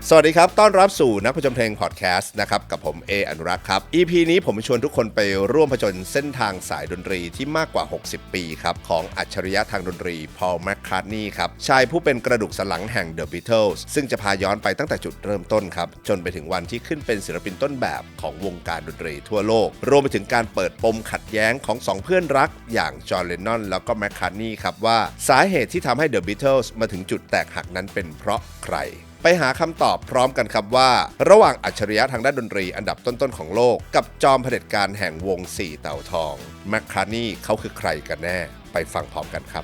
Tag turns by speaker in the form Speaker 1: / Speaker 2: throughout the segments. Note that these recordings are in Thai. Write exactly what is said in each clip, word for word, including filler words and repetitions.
Speaker 1: สวัสดีครับต้อนรับสู่นักผจญเพลงพอดแคสต์นะครับกับผมเออนุรักษ์ครับ อี พี นี้ผมชวนทุกคนไปร่วมผจญเส้นทางสายดนตรีที่มากกว่าหกสิบปีครับของอัจฉริยะทางดนตรีพอล แมคคาร์ทนีย์ครับชายผู้เป็นกระดูกสันหลังแห่ง The Beatles ซึ่งจะพาย้อนไปตั้งแต่จุดเริ่มต้นครับจนไปถึงวันที่ขึ้นเป็นศิลปินต้นแบบของวงการดนตรีทั่วโลกรวมไปถึงการเปิดปมขัดแย้งของสองเพื่อนรักอย่างจอห์น เลนนอนแล้วก็แมคคาร์ทนีย์ครับว่าสาเหตุที่ทำให้ The Beatles มาถึงจุดแตกหักนั้นเป็นเพราะใครไปหาคำตอบพร้อมกันครับว่าระหว่างอัจฉริยะทางด้านดนตรีอันดับต้นๆของโลกกับจอมเผด็จการแห่งวงสี่เต่าทองแมคคาร์ทนีย์เขาคือใครกันแน่ไปฟังพร้อมกันครับ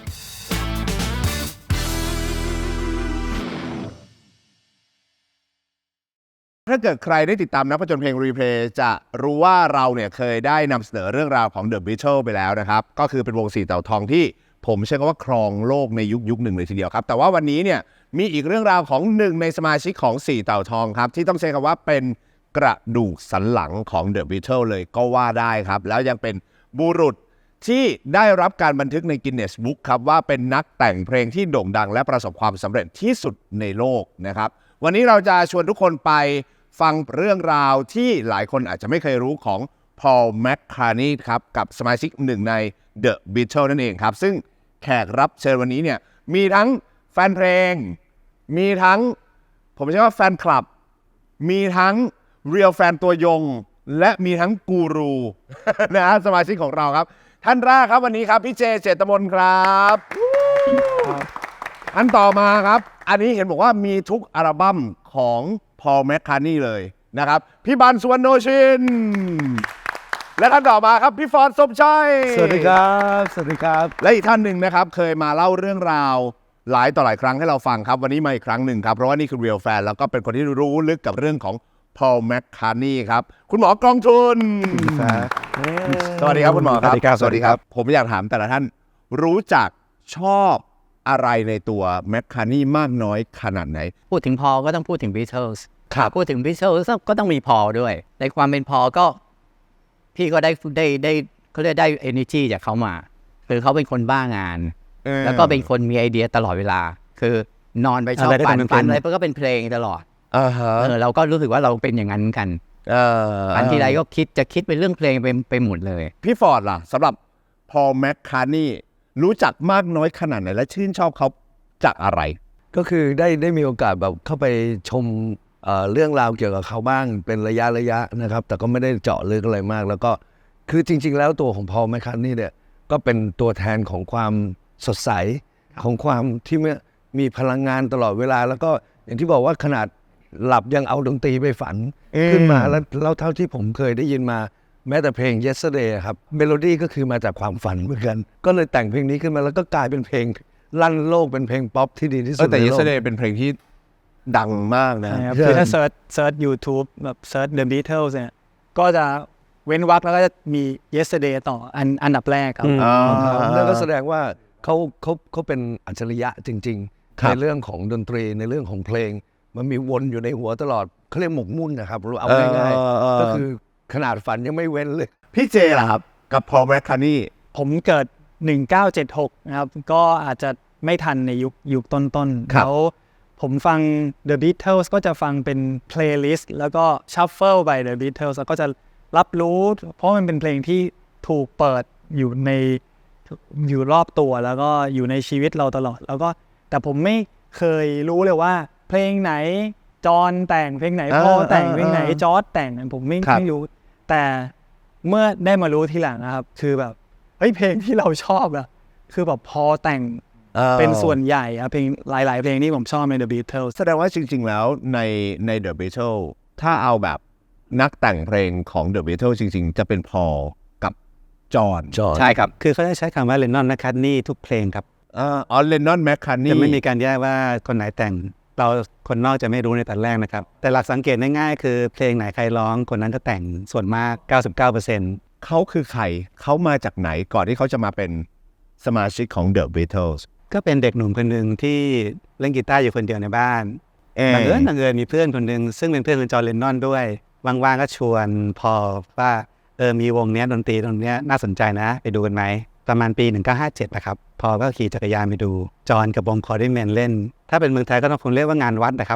Speaker 1: ถ้าเกิดใครได้ติดตามนักผจญเพลงรีเพลย์จะรู้ว่าเราเนี่ยเคยได้นำเสนอเรื่องราวของ The Beatles ไปแล้วนะครับก็คือเป็นวงสี่เต่าทองที่ผมเชื่อว่าครองโลกในยุคยุคหนึ่งเลยทีเดียวครับแต่ว่าวันนี้เนี่ยมีอีกเรื่องราวของหนึ่งในสมาชิกของสี่เต่าทองครับที่ต้องใช้คำว่าเป็นกระดูกสันหลังของ The Beatles เลยก็ว่าได้ครับแล้วยังเป็นบุรุษที่ได้รับการบันทึกใน Guinness Book ครับว่าเป็นนักแต่งเพลงที่โด่งดังและประสบความสำเร็จที่สุดในโลกนะครับวันนี้เราจะชวนทุกคนไปฟังเรื่องราวที่หลายคนอาจจะไม่เคยรู้ของพอล แมคคาร์ทนีย์ครับกับสมาชิกหนึ่งใน The Beatles นั่นเองครับซึ่งแขกรับเชิญวันนี้เนี่ยมีทั้งแฟนเพลงมีทั้งผมเชื่อว่าแฟนคลับมีทั้งเรียลแฟนตัวยงและมีทั้งกูรูนะฮะสมาชิกของเราครับท่านแรกครับวันนี้ครับพี่เจเจตมนครับอันต่อมาครับอันนี้เห็นบอกว่ามีทุกอัลบั้มของพอล แมคคาร์ทนีย์เลยนะครับพี่บัน สุวรรณโนชินและท่านต่อมาครับพี่ฟอร์ด สมชัย
Speaker 2: สวัสดีครับสวัสดีครับ
Speaker 1: และอีกท่านหนึ่งนะครับเคยมาเล่าเรื่องราวหลายต่อหลายครั้งให้เราฟังครับวันนี้มาอีกครั้งหนึ่งครับเพราะว่านี่คือ Real Fan แล้วก็เป็นคนที่รู้ลึกกับเรื่องของพอล แมคคาร์ทนีย์ครับคุณหมอกองทุนสวัสดีครับคุณหมอครับ
Speaker 2: สวัสดีครับ
Speaker 1: ผมอยากถามแต่ละท่านรู้จักชอบอะไรในตัวแมคคาร์ทนีย์มากน้อยขนาดไหน
Speaker 3: พูดถึงพอลก็ต้องพูดถึง Beatles ครับพูดถึง Beatles ก็ต้องมีพอลด้วยในความเป็นพอลก็พี่ก็ได้ได้ได้เขาเรียกได้ energy จากเขามาคือเขาเป็นคนบ้างานแล้วก็เป็นคนมีไอเดียตลอดเวลาคือนอนไปชอบฝันฝันอะไรก็เป็นเพลงตลอดเออเราก็รู้สึกว่าเราเป็นอย่างนั้นกันฝันทีไรก็คิดจะคิดเป็นเรื่องเพลงไปไปหมดเลย
Speaker 1: พี่ฟอร์ดล่ะสำหรับพอล แมคคาร์ทนีย์รู้จักมากน้อยขนาดไหนและชื่นชอบเขาจากอะไร
Speaker 2: ก็คือได้ได้มีโอกาสแบบเข้าไปชม เ, เรื่องราวเกี่ยวกับเขาบ้างเป็นระยะระยะนะครับแต่ก็ไม่ได้เจาะลึกอะไรมากแล้วก็คือจริงๆแล้วตัวของพอล แมคคาร์ทนีย์เนี่ยก็เป็นตัวแทนของความสดใสของความที่มีพลังงานตลอดเวลาแล้วก็อย่างที่บอกว่าขนาดหลับยังเอาดนตรีไปฝันขึ้นมาแล้วแล้วเท่าที่ผมเคยได้ยินมาแม้แต่เพลง Yesterday ครับเมโลดี้ก็คือมาจากความฝันเหมือนกันก็เลยแต่งเพลงนี้ขึ้นมาแล้วก็กลายเป็นเพลงลั่นโลกเป็นเพลงป๊อปที่ดีที่สุดในโลก
Speaker 1: แต่ Yesterday เป็นเพลงที่ดังมากนะ
Speaker 4: คือถ้าเซิร์ชเซิร์ช YouTube แบบเซิร์ช The Beatles เนี่ยก็จะเว้นวรรคแล้วก็จะมี Yesterday ต่ออันอันดับแรกครับ
Speaker 2: นั่นก็แสดงว่าเขาเขาเขาเป็นอัจฉริยะจริงๆในเรื่องของดนตรีในเรื่องของเพลงมันมีวนอยู่ในหัวตลอดเขาเรียกหมกมุ่นนะครับเอาง่ายๆก็คือขนาดฝันยังไม่เว้นเลย
Speaker 1: พี่เจล่ะครับกับพอล แมคคาร์ทนีย์
Speaker 4: ผมเกิดหนึ่งเก้าเจ็ดหกนะครับก็อาจจะไม่ทันในยุคยุคต้นๆแล้วผมฟัง The Beatles ก็จะฟังเป็น playlist แล้วก็ shuffle ไป The Beatles แล้วก็จะรับรู้เพราะมันเป็นเพลงที่ถูกเปิดอยู่ในอยู่รอบตัวแล้วก็อยู่ในชีวิตเราตลอดแล้วก็แต่ผมไม่เคยรู้เลยว่าเพลงไหนจอห์นแต่งเพลงไหนพอแต่งเพลงไหนจอร์จแต่งผมไม่ไม่รู้แต่เมื่อได้มารู้ทีหลังนะครับคือแบบเฮ้ยเพลงที่เราชอบอะคือแบบพอแต่งเป็นส่วนใหญ่อะเพลงหลายๆเพลงที่ผมชอบใน The Beatles
Speaker 1: แสดงว่าจริงๆแล้วในใน The Beatles ถ้าเอาแบบนักแต่งเพลงของ The Beatles จริงๆจะเป็นพอลกับจอห์น
Speaker 3: ใช่ครับคือเขาจะใช้คำว่า Lennon และ McCartney ทุกเพลงครับ
Speaker 1: อ๋อ Lennon McCartney
Speaker 3: จะไม่มีการแยกว่าคนไหนแต่งเราคนนอกจะไม่รู้ในตอนแรกนะครับแต่หลักสังเกตง่ายๆคือเพลงไหนใครร้องคนนั้นจะแต่งส่วนมาก เก้าสิบเก้าเปอร์เซ็นต์
Speaker 1: เขาคือใครเขามาจากไหนก่อนที่เขาจะมาเป็นสมาชิกของ The Beatles
Speaker 3: ก็เป็นเด็กหนุ่มคนหนึ่งที่เล่นกีตาร์อยู่คนเดียวในบ้านบังเอิญบังเอิญมีเพื่อนคนหนึ่งซึ่งเป็นเพื่อนของจอห์น เลนนอนด้วยว่างๆก็ชวนพอว่าเออมีวงเนี้ยดนตรีตรงเนี้ยน่าสนใจนะไปดูกันไหมประมาณปีหนึ่งเก้าห้าเจ็ดนะครับพอก็ขี่จักรยานไปดูจอห์นกับวงคอร์ดิแมนเล่นถ้าเป็นเมืองไทยก็ต้องคงเรียกว่างานวัดนะครับ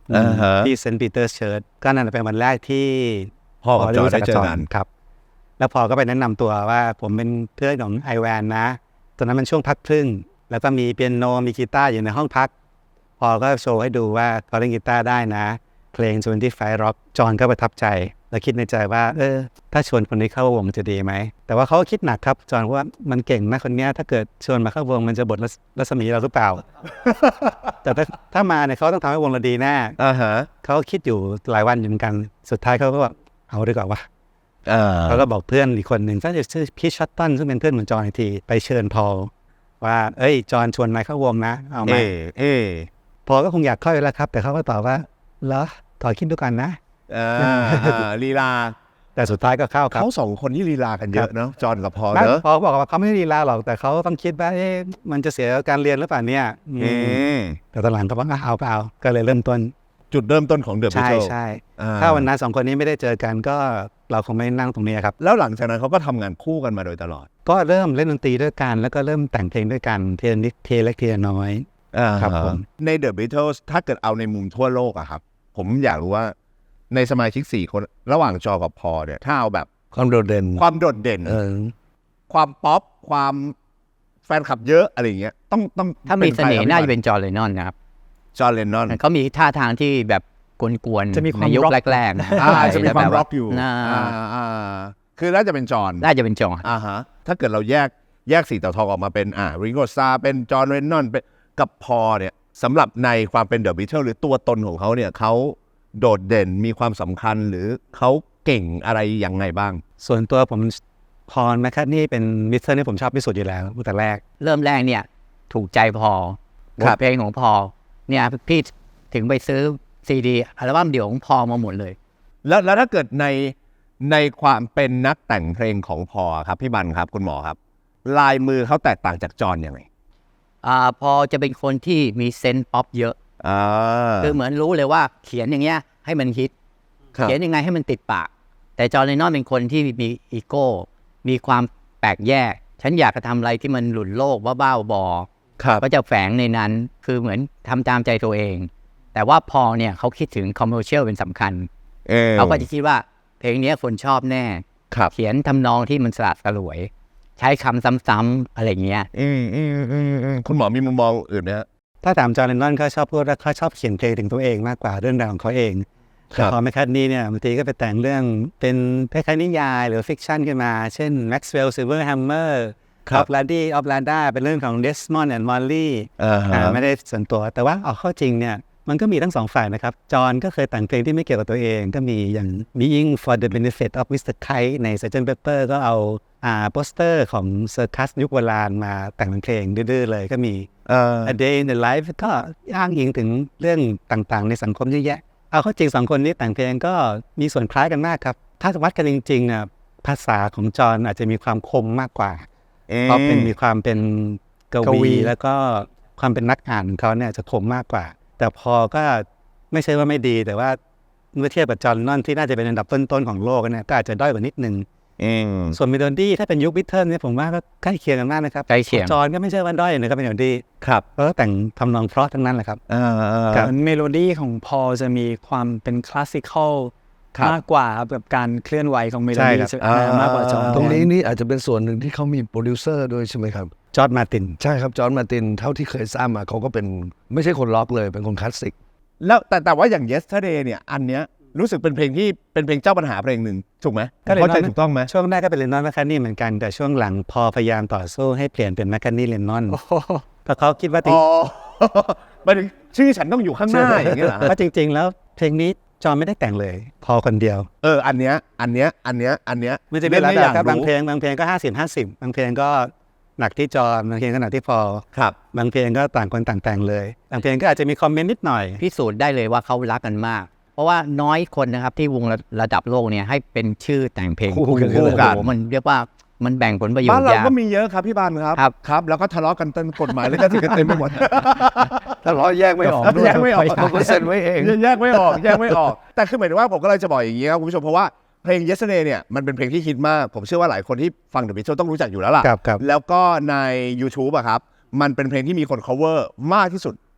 Speaker 1: อ่าฮะ
Speaker 5: ที่เซนต์ปีเตอร์สเชิร์ชก็นั่นเป็นวันแรกที่
Speaker 1: พ่อกับจอร์จได้เจอกัน
Speaker 5: ครับแล้วพอก็ไปแนะนำตัวว่าผมเป็นเพื่อนของไอแวนนะตอนนั้นมันช่วงพักครึ่งแล้วก็มีเปียโนมีกีตาร์อยู่ในห้องพักพอก็โชว์ให้ดูว่าเขาเล่นกีตาร์ได้นะเพลงยี่สิบห้า Rock จอห์นก็ประทับใจแล้วคิดในใจว่าเออถ้าชวนคนนี้เข้าวงจะดีไหมแต่ว่าเขาก็คิดหนักครับจอห์นว่ามันเก่งนะคนเนี้ยถ้าเกิดชวนมาเข้าวงมันจะบดรัศมีเราหรือเปล่า แต่ถ้าถ้ามาเนี่ยเขาต้องทำให้วงเราดีแน่
Speaker 1: อ่าฮะ
Speaker 5: เขาคิดอยู่หลายวันอยู่เหมือนกันสุดท้ายเขาก็บอกเอาดีกว่าวะ
Speaker 1: อ่า
Speaker 5: เขาก็บอกเพื่อนอีกคนหนึ่งซึ่งจะชื่อพีชชัตตันซึ่งเป็นเพื่อนของจอห์นอีกทีไปเชิญพอลว่าเอ้ยจอห์นชวนนายเข้าวงนะเอาไหม
Speaker 1: เอเอ
Speaker 5: พอลก็คงอยากเข้าอยู่แล้วครับแต่เขาก็ตอบว่าเหรอถอยคิดดูกันนะ
Speaker 1: อ่าอ่าลีลา
Speaker 5: แต่สุดท้ายก็เข้าครับ
Speaker 1: เขาสองคนนี่ลีลากันเยอะเนาะจอห์นกับพอล
Speaker 5: ไม่
Speaker 1: เนอะ
Speaker 5: พอลบอกว่าเขาไม่ได้ลีลาหรอกแต่เขาต้องคิดว่าเอ๊ะมันจะเสียการเรียนหรือเปล่าเนี่ยอืม
Speaker 1: อืม
Speaker 5: แต่ตอนหลังเขาบอกอ่ะเอาเปล่าก็เลยเริ่มต้น
Speaker 1: จุดเริ่มต้นของเดอะบิท
Speaker 5: ใช่
Speaker 1: เทิล
Speaker 5: ใช่ถ้าวันนั้นสองคนนี้ไม่ได้เจอกันก็เราคงไม่นั่งตรงนี้ครับ
Speaker 1: แล้วหลังจากนั้นเขาก็ทำงานคู่กันมาโดยตลอด
Speaker 5: ก็เริ่มเล่นดนตรีด้วยกันแล้วก็เริ่มแต่งเพลงด้วยกันเทียนิดเทียเล็กเทียน้อย ครับผม
Speaker 1: ใน The Beatles ถ้าเกิดเอาในมุมทั่วโลกอะครับ ผมอยากรู้ว่าในสมาชิกสี่คนระหว่างจอกับพอลเนี่ย ถ้าเอาแบบ
Speaker 2: ความโดดเด่น
Speaker 1: ความโดดเด่น
Speaker 2: เออ
Speaker 1: ความป๊อปความแฟนคลับเยอะอะไรอย่างเงี้ยต้องต้อง
Speaker 3: ถ้ามีเสน่ห์
Speaker 1: ป็ใคร
Speaker 3: น่า
Speaker 1: ครับ
Speaker 3: จะเป็นจอร์นเลนนอนนะครับ
Speaker 1: จอห์นเลนนอน
Speaker 3: เขามีท่าทางที่แบบกวนๆ
Speaker 4: จะมีความ
Speaker 3: ในยุค
Speaker 4: rock
Speaker 3: แรกๆนะ
Speaker 1: อ่าจะมีความ
Speaker 3: แต่แบบ
Speaker 1: ร็อกอยู่
Speaker 3: น่า
Speaker 1: อ่าอ่าคือน่าจะเป็นจอห์น
Speaker 3: น่าจะเป็นจอร์น
Speaker 1: อ่าฮะถ้าเกิดเราแยกแยกสีเต่าทองออกมาเป็นอ่าริงโกซาเป็นจอห์นเลนนอนเป็นกับพอลเนี่ยสำหรับในความเป็นเดอะบิทเทิลหรือตัวตนของเขาเนี่ยเขาโดดเด่นมีความสำคัญหรือเขาเก่งอะไรยังไงบ้าง
Speaker 5: ส่วนตัวผมพอลแมคคัตนี่เป็นมิสเตอร์ที่ผมชอบที่สุดอยู่แล้วตั้งแต่แรก
Speaker 3: เริ่มแรกเนี่ยถูกใจพอล
Speaker 1: ครับ
Speaker 3: บทเพลงของพอลเนี่ยพี่ถึงไปซื้อซีดีอัลบั้มเดี่ยวของพอลมาหมดเลย
Speaker 1: แล้วแล้วถ้าเกิดในในความเป็นนักแต่งเพลงของพอลครับพี่บันครับคุณหมอครับ ลายมือเขาแตกต่างจากจอห์นยังไง
Speaker 3: อ่าพอจะเป็นคนที่มีเซนส์ป๊อปเยอะ
Speaker 1: อ่า
Speaker 3: คือเหมือนรู้เลยว่าเขียนอย่างเงี้ยให้มันฮิต
Speaker 1: ครับ
Speaker 3: เขียนยังไงให้มันติดปาก แต่จอร์นเลนนอนเป็นคนที่มีอีโก้ มีความแปลกแยก ฉันอยากจะทำอะไรที่มันหลุดโลกว่าบ้าบอ
Speaker 1: ครับ
Speaker 3: ก็จะแฝงในนั้น คือเหมือนทำตามใจตัวเอง แต่ว่าพอเนี่ยเขาคิดถึงคอมเมอร์เชียลเป็นสำคัญ
Speaker 1: เออ
Speaker 3: เขาก็จะคิดว่าเพลงเนี้ยคนชอบแน่
Speaker 1: ครับ
Speaker 3: เขียนทำนองที่มันสลัดสลวย ใช้คำซ้ำๆอะไรเงี้ย
Speaker 1: อืมอืมอืมอืมคุณหมอมีมุมมองอื่นไหมฮะ
Speaker 5: ถ้าถามจอห์นเลนนอนเขาชอบพูดว่าเขาชอบเขียนเพลงถึงตัวเองมากกว่าเรื่องราวของเขาเอง
Speaker 1: ครั
Speaker 5: แต่
Speaker 1: บ
Speaker 5: พอแมคคัตนี่เนี่ยบางทีก็ไปแต่งเรื่องเป็นคล้ายๆนิยายหรือฟิกชันขึ้นมา เช่น Maxwell Silverhammer
Speaker 1: ครับ
Speaker 5: of Lady of Lada เป็นเรื่องของ Desmond and Molly
Speaker 1: อ่าฮะ
Speaker 5: อ่าไม่ได้ส่วนตัวแต่ว่าเอาเข้าจริงเนี่ยมันก็มีทั้งสองฝ่ายนะครับจอห์นก็เคยแต่งเพลงที่ไม่เกี่ยวกับตัวเองก็มีอย่าง Being for the Benefit of มิสเตอร์ Kite ใน Sgt. Pepper ก็เอาอ่าโปสเตอร์ของเซอร์คัสยุคโบราณมาแต่งเป็นเพลงดื้อๆเลยก็มี
Speaker 1: เอ่อ
Speaker 5: A Day in the Life ก็อ้างอิงถึงเรื่องต่างๆ ในสังคมเยอะแยะเอาเข้าจริงสองคนนี้แต่งเพลงก็มีส่วนคล้ายกันมากครับถ้าวัดกันจริงๆน่ะภาษาของจอห์นอาจจะมีความคมมากกว่าเพราะเป็นมีความเป็นก
Speaker 4: กวี
Speaker 5: วีแล้วก็ความเป็นนักอ่านของเขาเนี่ยจะคมมากกว่า แต่พอก็ไม่ใช่ว่าไม่ดีแต่ว่าเมื่อเทียบกับจอห์นนอนที่น่าจะเป็นอันดับต้นๆของโลกเนี่ยก็อาจจะด้อยกว่านิดนึง
Speaker 1: อืม
Speaker 5: ส่วนเมโลดี้ถ้าเป็นยุคบิทเทิลเนี่ยผมว่าก็ใกล้เคียงกันมากนะครับ
Speaker 3: ใกล้เคียง
Speaker 5: จอห์นก็ไม่ใช่ว่าด้อยนะครับเป็นเมโลดี้
Speaker 1: ครับ
Speaker 5: เพราะว่าแต่งทำนองเพราะทั้งนั้นแหละครับ
Speaker 1: อ่าอ่า
Speaker 5: ครับ
Speaker 4: เมโลดี้ของพอลจะมีความเป็นคลาสสิคอล
Speaker 1: ครับ
Speaker 4: มากกว่าครับแบบการเคลื่อนไหวของเมโล
Speaker 5: ใช่
Speaker 4: ดี้
Speaker 5: ครับ
Speaker 4: จะอ่ามากกว่าจอห์น
Speaker 2: ตรงนี้นี่อาจจะเป็นส่วนหนึ่งที่เขามีโปรดิวเซอร์ด้วยใช่ไหมครับ
Speaker 5: จอร์จมาร์ติน
Speaker 2: ใช่ครับ จอห์นมาร์ตินเท่าที่เคยทราบมาเขาก็เป็นไม่ใช่คนล็อกเลยเป็นคนคลาสสิก
Speaker 1: แล้วแต่แต่ว่าอย่าง yesterday เนี่ยอันเนี้ยรู้สึกเป็นเพลงที่เป็นเพลงเจ้าปัญหาเพลงหนึ่งถูกไหม
Speaker 5: ก็เลย
Speaker 1: เข้าใจ
Speaker 5: น้อย
Speaker 1: ถูกต้องไหม
Speaker 5: ช่วงแรกก็เป็นเลนนอนแมคคาร์ทนี่เหมือนกันแต่ช่วงหลังพอพยายามต่อสู้ให้เปลี่ยนเป็นแมคคาร์ทนี่เลนนอนเพราะเขาคิดว่าจริ
Speaker 1: อ๋
Speaker 5: ง
Speaker 1: อ หมายถึงชื่อฉันต้องอยู่ข้างหน้าอย่างเงี้ยเหรอ
Speaker 5: ว่าจริง ๆ แล้วเพลงนี้จอห์นไม่ได้แต่งเลยพอคนเดียว
Speaker 1: เอออันเนี้ยอันเนี้ยอันเนี้ยอันเนี้ย
Speaker 5: มันจะเป็น
Speaker 1: ล่
Speaker 5: ระ
Speaker 1: ไม่
Speaker 5: ดับครับ
Speaker 1: อย
Speaker 5: บางเพลงบางเพลงก็ห้าสิบห้าสิบบางเพลงก็หนักที่จอห์นบางเพลงก็หนักที่พอ
Speaker 1: ครับ
Speaker 5: บางเพลงก็ต่างคนต่างแต่งเลยบางเพลงก็อาจจะมีคอมเมนต์นิดหน่อย
Speaker 3: พิสูจน์ได้เลยว่าเขารักกันมาก เพราะว่าน้อยคนนะครับที่วงระระดับโลกเนี่ยให้เป็นชื่อแต่งเพลง
Speaker 1: คู่กัน
Speaker 3: โอ้โหมันเรียกว่ามันแบ่งผลประโยช
Speaker 1: บ้าน
Speaker 3: น์
Speaker 1: เรา
Speaker 3: ยาก
Speaker 1: ก็มีเยอะครับพี่บานครับ
Speaker 3: ครับ
Speaker 1: ครับแล้วก็ทะเลาะกันเต็มกฎหมายแล้วก็ถือกันเต็มไปหมด
Speaker 2: ถ้าล้อแยกไม่ออกด้วย
Speaker 1: แยกไม่ออก
Speaker 2: เขาก็เซ็นไว้เอง
Speaker 1: แยกไม่ออกแยกไม่ออก แต่คือหมายถึงว่าผมก็เลยจะบอกอย่างนี้ครับคุณผู้ชมเพราะว่าเพลง yesterday เนี่ยมันเป็นเพลงที่ฮิตมากผมเชื่อว่าหลายคนที่ฟัง The Beatles ต้องรู้จักอยู่แล้วล่ะ
Speaker 5: ครับครับ
Speaker 1: แล้วก็ใน YouTube อะครับมันเป็นเพลงที่มีคน cover มากที่สุด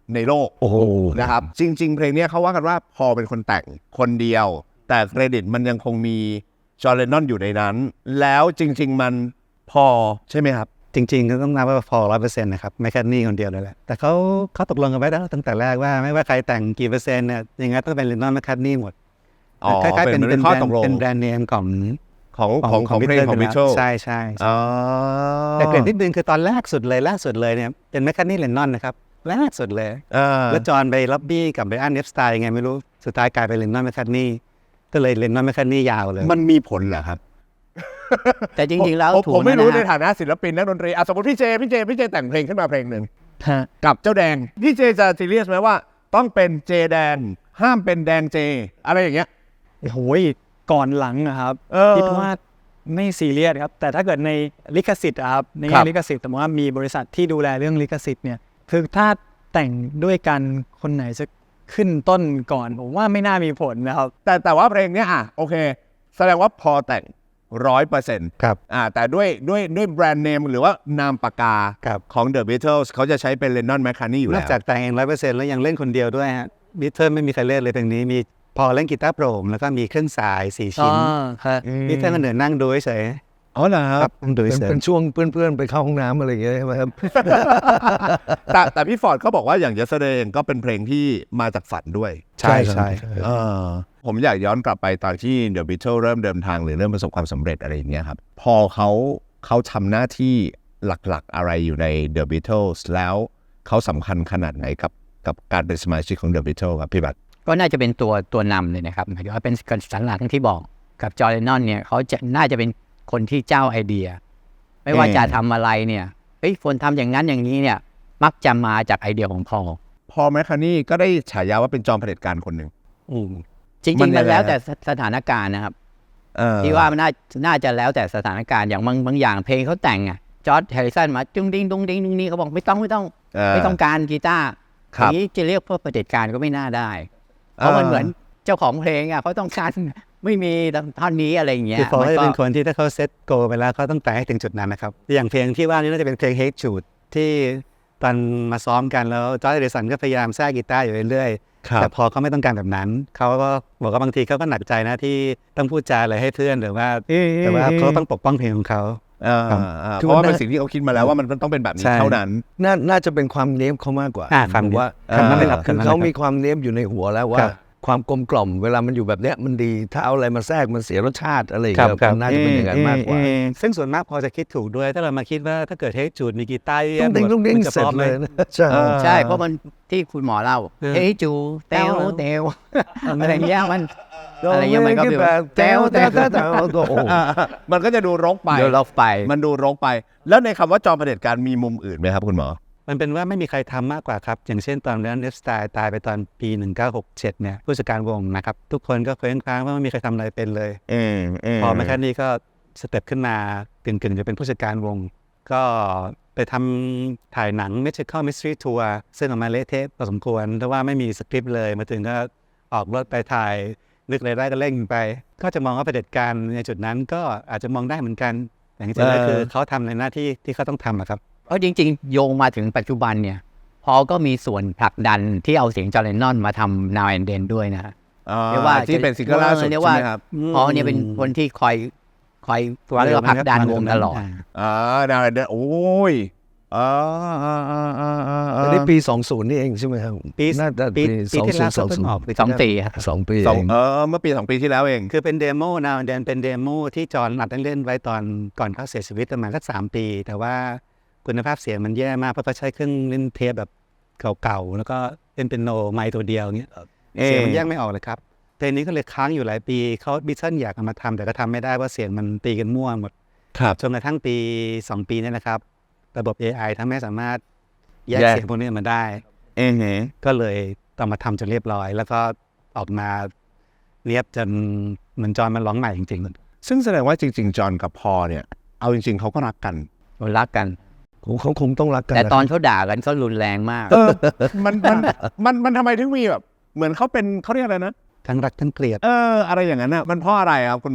Speaker 1: ในโลก
Speaker 2: โอ้โห
Speaker 1: นะครับจริง ๆ เพลงเนี้ยเขาว่ากันว่าพอเป็นคนแต่งคนเดียว แต่เครดิตมันยังคงมีจอห์น เลนนอนอยู่ในนั้น แล้วจริง ๆ มันพอใช่ไหมครับ
Speaker 5: จริงๆก็ต้องนับว่าพอร้อยเปอร์เซ็นต์นะครับแมคคาร์ทนีย์คนเดียวเลยแหละแต่เขาเขาตกลงกันไว้แล้วตั้งแต่แรกว่าไม่ว่าใครแต่งกี่เปอร์เซ็นต์เนี่ยยังไงต้องเป็นเลนนอนแมคคาร์ทนีย์หมด
Speaker 1: อ๋อ
Speaker 5: คล้ายๆเป็น
Speaker 1: เป็น
Speaker 5: เป็น
Speaker 1: ข้
Speaker 5: แบ
Speaker 1: อ
Speaker 5: รน
Speaker 1: ตก
Speaker 5: ด์
Speaker 1: ลง
Speaker 5: เป็นแบรนด์เนมของ
Speaker 1: ของของของเพลงของ
Speaker 5: ไป
Speaker 1: บิท
Speaker 5: แล้
Speaker 1: เทิ
Speaker 5: ว
Speaker 1: ล
Speaker 5: ใช่ใช่ใช่
Speaker 1: อ๋อ
Speaker 5: แต่เกรดนิดนึงคือตอนแรกสุดเลยล่าสุดเลยเนี่ยเป็นแมคคาร์ทนีย์เลนนอนนะครับแรกสุดเลย
Speaker 1: อ่า
Speaker 5: แล้วจอห์นไปล็อบบี้กับไบรอันเนฟสไตล์ยังไงไม่รู้สุดท้ายกลายเป็นเลนนอนแมคคาร์ทนีย์ก็เลยเลนนอนแมคคาร์ทนีย์ยาวเลย
Speaker 1: มันมีผลเหรอครับ
Speaker 3: แต่จริงๆแล้ว
Speaker 1: ผม
Speaker 3: ถูก
Speaker 1: ผมไม่รู้ใน
Speaker 3: นะฮะ
Speaker 1: ฐานะศิลปินนักดนตรีอ่ะสมมติพี่เจพี่เจพี่เจแต่งเพลงขึ้นมาเพลงหนึ่ง
Speaker 4: ฮะ
Speaker 1: กับเจ้าแดงพี่เจจะซีเรียสไหมว่าต้องเป็นเจแดงห้ามเป็นแดงเจอะไรอย่างเงี้ย
Speaker 4: โอ้โหก่อนหลังอะครับ
Speaker 1: เออ
Speaker 4: คิดว่าไม่ซีเรียสครับ แต่ถ้าเกิดในลิขสิทธิ์อะครับใน
Speaker 1: ครั
Speaker 4: แง่
Speaker 1: บ
Speaker 4: ลิขสิทธิ์แต่ว่ามีบริษัทที่ดูแลเรื่องลิขสิทธิ์เนี่ยคือถ้าแต่งด้วยกันคนไหนจะขึ้นต้นก่อนผมว่าไม่น่ามีผลนะครับ
Speaker 1: แต่แต่ว่าเพลงเนี้ยอ่ะโอเค แสดงว่าพอแต่งร้อยเปอร์เซ็นต์
Speaker 5: ครับ
Speaker 1: อ่าแต่ด้วยด้วยด้วยแบรนด์เนมหรือว่านามปากกา
Speaker 5: ครับ
Speaker 1: ของ The Beatles เขาจะใช้เป็น Lennon McCartney อยู่
Speaker 5: น
Speaker 1: แล้
Speaker 5: อก
Speaker 1: ว
Speaker 5: จากแต่งเองร้อยเปอร์เซ็นต์แล้วยังเล่นคนเดียวด้วยฮะบิทเทิลไม่มีใครเล่นเลยเพลงนี้มีพอเล่นกีตาร์โปร่งแล้วก็มีเครื่องสายสี่ชิ้น
Speaker 4: ครับ
Speaker 5: บิทเทิลก็เหนือนั่งดูเฉย
Speaker 1: อ๋อเหรอ
Speaker 5: ๆ
Speaker 1: ค
Speaker 5: ค
Speaker 1: รั
Speaker 5: รับ บนั่งดู
Speaker 2: เป็น
Speaker 5: เฉย
Speaker 2: เป็นช่วงเพื่อนๆไปเข้าห้องน้ำอะไรอย่างเงี้ยใช่ไหมครับ
Speaker 1: แต่แต่พี่ฟอร์ดเขาบอกว่าอย่าง Yesterday ก็เป็นเพลงที่มาจากฝันด้วย
Speaker 5: ๆใช่ใช่
Speaker 1: เออผมอยากย้อนกลับไปตอนที่ The Beatles เริ่มเดินทางหรือเริ่มประสบความสำเร็จอะไรอย่างเงี้ยครับ พอเขาเขาทำหน้าที่หลักๆอะไรอยู่ใน The Beatles แล้วเขาสำคัญขนาดไหนกับกับการเป็นสมาชิกของ The Beatles ครับพี่บัตร
Speaker 3: ก็น่าจะเป็นตัวตัวนำเลยนะครับหมายถึงว่าเป็นสันหลักที่บอกกับจอร์แดนนอนเนี่ยเขาจะน่าจะเป็นคนที่เจ้าไอเดีย ไม่ว่า
Speaker 1: เออ
Speaker 3: จะทำอะไรเนี่ยเฮ้ยคนทำอย่างนั้นอย่างนี้เนี่ยมักจะมาจากไอเดียของพอล
Speaker 1: พอแมคคาร์นี่ก็ได้ฉายาว่าเป็นจอมเผด็จการคนหนึ่ง
Speaker 5: อืม
Speaker 3: จริ
Speaker 1: มั
Speaker 3: ง
Speaker 1: น
Speaker 3: ๆ
Speaker 1: ยั
Speaker 3: มัน
Speaker 1: งไง
Speaker 3: แล้วแต่
Speaker 1: ฮะ
Speaker 3: สถานการณ์นะครับ
Speaker 1: เออ
Speaker 3: ที่ว่ามันน่าน่าจะแล้วแต่สถานการณ์อย่างบางบางอย่างเพลงเขาแต่งอ่ะจอร์จแฮร์ริสันมาจุ้งดิ้งดุ้งดิ้งดุ้งนี้เขาบอกไม่ต้องไม่ต้อง
Speaker 1: เออ
Speaker 3: ไม่ต้องการกีตาร์
Speaker 1: ค
Speaker 3: อ
Speaker 1: รับ
Speaker 3: ย่างนี้จะเรียกเพื่อเผด็จการก็ไม่น่าได้ เพราะมันเหมือนเจ้าของเพลงอ่ะเขาต้องการไม่มีท่อนนี้อะไรอย่างเงี้ย
Speaker 5: คือพอ
Speaker 3: มัน
Speaker 5: จะ
Speaker 3: ก็
Speaker 5: เป็นคนที่ถ้าเขาเซตโกไปแล้วเขาต้องแต่งให้ถึงจุดนั้นนะครับอย่างเพลงที่ว่านี่น่าจะเป็นเพลง Hate Jude ที่ตอนมาซ้อมกันแล้วจอร์จ แฮร์ริสันก็พยายามแทรกกีตาร์อยู่เรื่อยๆ
Speaker 1: ครับ
Speaker 5: แต่พอเขาไม่ต้องการแบบนั้นเขาก็บอกว่าบางทีเขาก็หนักใจนะที่ต้องพูดจาอะไรให้เพื่อนหรือว่าแต่ว่าเขาต้องปกป้องเพลงของเขา
Speaker 1: เออ
Speaker 5: ครับ
Speaker 1: เออเพราะว่าเป็นสิ่งที่เขาคิดมาแล้วว่ามันต้องเป็นแบบนี้
Speaker 5: ใช่
Speaker 1: เท่านั้น
Speaker 2: น่าน่าจะเป็นความเนี้ยบเขามากกว่า
Speaker 5: อ่าความ
Speaker 2: ผมว่า
Speaker 5: คำนั้นเลยครับ
Speaker 2: คือ
Speaker 5: คำนั้นเลย
Speaker 2: เขา
Speaker 5: ครับ
Speaker 2: มีความเนี้ยบอยู่ในหัวแล้วว่า
Speaker 5: ครับ
Speaker 2: ความกลมกล่อมเวลามันอยู่แบบเนี้ยมันดี ถ้าเอาอะไรมาแทรกมันเสียรสชาติอะไรอย่าง
Speaker 5: ครับ
Speaker 2: เงี้ย
Speaker 5: ครับ
Speaker 2: มันน่าจะเป็นอย่างนั้นมากกว่า
Speaker 5: ซึ่งส่วนมากพอจะคิดถูกด้วย ถ้าเรามาคิดว่าถ้าเกิดเฮจูดมีกีตาร์เย
Speaker 2: ต้อ
Speaker 5: อะ
Speaker 2: งเด้งต้องเด้ง
Speaker 5: มันจะ
Speaker 2: เสร็
Speaker 5: พ
Speaker 2: จ
Speaker 5: ร้อมไห
Speaker 2: เล
Speaker 5: ม
Speaker 2: ยนะใช่
Speaker 1: เออ
Speaker 3: ใช่เพราะมันที่คุณหมอเล่า
Speaker 5: เออ
Speaker 3: เฮ้ยจูเตวเตวอะไรเงี้ยมัน
Speaker 2: โดน
Speaker 3: อะไรเงี้ยมันก็
Speaker 2: เล่น
Speaker 3: แบบ
Speaker 2: แต้วแต้วแต้วแต้วโอ้โห
Speaker 1: อ่ามันก็จะดูรกไป
Speaker 3: เดี๋ยวเราไป
Speaker 1: มันดูรกไป แล้วในคำว่าจอมเผด็จการมีมุมอื่นไหมครับคุณหมอ
Speaker 5: มันเป็นว่าไม่มีใครทำมากกว่าครับ อย่างเช่นตอนนั้นเนฟสไตล์ตายไปตอนปี หนึ่งเก้าหกเจ็ดเนี่ยผู้จัดการวงนะครับ ทุกคนก็เคว้งคว้างว่าไม่มีใครทำอะไรเป็นเลย
Speaker 1: เออเออ
Speaker 5: พอแมคคาร์ทนีย์ก็สเต็ปขึ้นมากึ่งๆจะเป็นผู้จัดการวง ก็ไปทำถ่ายหนัง Magical Mystery Tour ซึ่งออกมาเละเทะพอสมควรเพราะว่าไม่มีสคริปต์เลยมาถึงก็ออกรถไปถ่ายนึกอะไรได้ก็เร่งไป ก็จะมองว่าเผด็จการในจุดนั้นก็อาจจะมองได้เหมือนกัน อย่างที่ได้คือเขาทำในหน้าที่ที่เขาต้องทำอะครับ
Speaker 3: เพราะจริงๆ โยงมาถึงปัจจุบันเนี่ยพอก็มีส่วนผลักดันที่เอาเสียงจอร์แดนนอนมาทำ Now and Then ด้วยนะฮะ
Speaker 1: อ่า
Speaker 3: เรียกว่า
Speaker 1: ที่เป็นซิงเกิลล่าสุด
Speaker 3: เรียก
Speaker 1: ใช่
Speaker 3: ว่า
Speaker 1: ไหมครับ
Speaker 3: พอเนี่ยเป็นคนที่คอยคอยเรียกว่าผลักดันวงตลอด
Speaker 1: อ่าดาวเดนโอ้ยอ่าอ่าอ่าอ่าอ่า
Speaker 2: แต่นี่ปีสองสิบนี่เองใช่ไหมครับ
Speaker 5: ปี
Speaker 2: น่าจะ
Speaker 5: ปี
Speaker 2: ปี
Speaker 5: ปีที่แล้ว
Speaker 2: สอง
Speaker 5: เพิ่งออก
Speaker 2: สิบ
Speaker 3: สองปีครับ
Speaker 2: สองปี
Speaker 1: สอง
Speaker 2: เอง
Speaker 1: เออเมื่อปีสองปีที่แล้วเอง
Speaker 5: คือเป็นเดโมนะเดนเป็นเดโมที่จอห์นอัดเล่นๆไว้ตอนก่อนเขาเสียชีวิตประมาณสักสามปี แต่ว่าคุณภาพเสียงมันแย่มากเพราะเขาใช้เครื่องเล่นเทปแบบเก่าๆ แล้วก็เล่นเป็นโนไมค์ตัวเดียวเงี้ยเสียงมันแยกไม่ออกเลยครับเพลงนี้ก็เลยค้างอยู่หลายปีเขาบิทเทิลอยากเอามาทำแต่ก็ทำไม่ได้เพราะเสียงมันตีกันมั่วหมด
Speaker 1: ครับ
Speaker 5: จนกระทั่งปีสองปีเนี่ยนะครับ ระบบ เอ ไอ ทำให้สามารถแยก
Speaker 1: แยก
Speaker 5: เสียงพวกนี้มาได้
Speaker 1: เองเหรอ
Speaker 5: ก็เลยต้องมาทำจนเรียบร้อย แล้วก็ออกมาเรียบจนเหมือนจอห์นมันร้องใหม่จริงๆ
Speaker 1: ซึ่งแสดงว่าจริงๆ จอห์นกับพอเนี่ย เอาจริงๆ เขาก็รักกัน
Speaker 3: รักกัน
Speaker 2: เขาเขาคงต้องรักกัน
Speaker 3: แต่
Speaker 2: นะ
Speaker 3: ตอนเขาด่ากันเขารุนแรงมาก
Speaker 1: เออ มันมันมันมันทำไมถึงมีแบบ เหมือนเขาเป็นเขาเรียกอะไรนะ
Speaker 5: ทั้งรักทั้งเกลียด
Speaker 1: เออ อะไรอย่างนั้นอ่ะ มันเพราะอะไรครับคุณหมอ คุณ